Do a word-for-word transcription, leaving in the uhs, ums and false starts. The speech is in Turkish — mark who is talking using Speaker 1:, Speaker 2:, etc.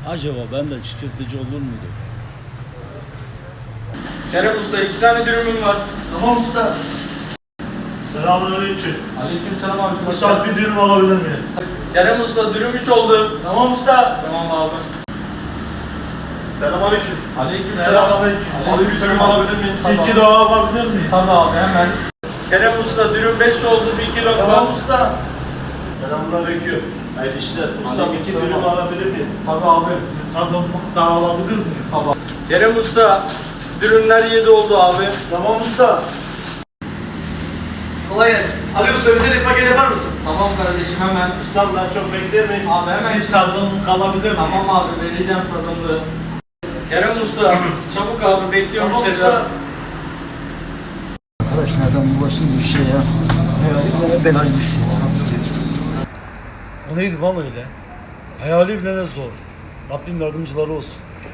Speaker 1: Acaba ben de çiğ köfteci olur muydu?
Speaker 2: Kerem Usta iki tane dürümüm var.
Speaker 3: Tamam usta.
Speaker 4: Selamünaleyküm.
Speaker 2: Aleykümselam abi.
Speaker 4: Usta bir dürüm alabilir miyim?
Speaker 2: Kerem Usta dürüm üç oldu.
Speaker 3: Tamam usta.
Speaker 2: Tamam abi.
Speaker 5: Selamünaleyküm.
Speaker 2: Aleykümselam.
Speaker 5: Selamünaleyküm. Abi bir dürüm alabilir miyim?
Speaker 4: İki daha alabilir miyim?
Speaker 2: Tabii abi hemen. Kerem Usta dürüm beş oldu bir kilo
Speaker 3: Tamam
Speaker 2: var.
Speaker 3: usta.
Speaker 4: Selamünaleyküm. Hayırlı işler. Usta iki
Speaker 2: Aleykümselam.
Speaker 4: dürüm alabilir miyim?
Speaker 2: Tabii abi.
Speaker 4: Tadımlık daha alabilir miyim?
Speaker 2: Kerem Usta dürümler yedi oldu abi.
Speaker 3: Tamam usta. Kolay gelsin. Ali usta bize bir paket yapar mısın?
Speaker 2: Tamam kardeşim hemen.
Speaker 4: Ustam daha çok bekler miyiz?
Speaker 2: Abi hemen.
Speaker 4: Bir tadımlık alabilir miyim?
Speaker 2: Tamam abi vereceğim tadımlı. Kerem Usta çabuk abi bekliyorum
Speaker 3: Tamam
Speaker 2: müşteriler.
Speaker 3: usta.
Speaker 6: Arkadaş nereden bulaştın bir şey ya? Ne belaymış.
Speaker 1: O neydi lan öyle? Hayali bile ne zor. Rabbim yardımcıları olsun.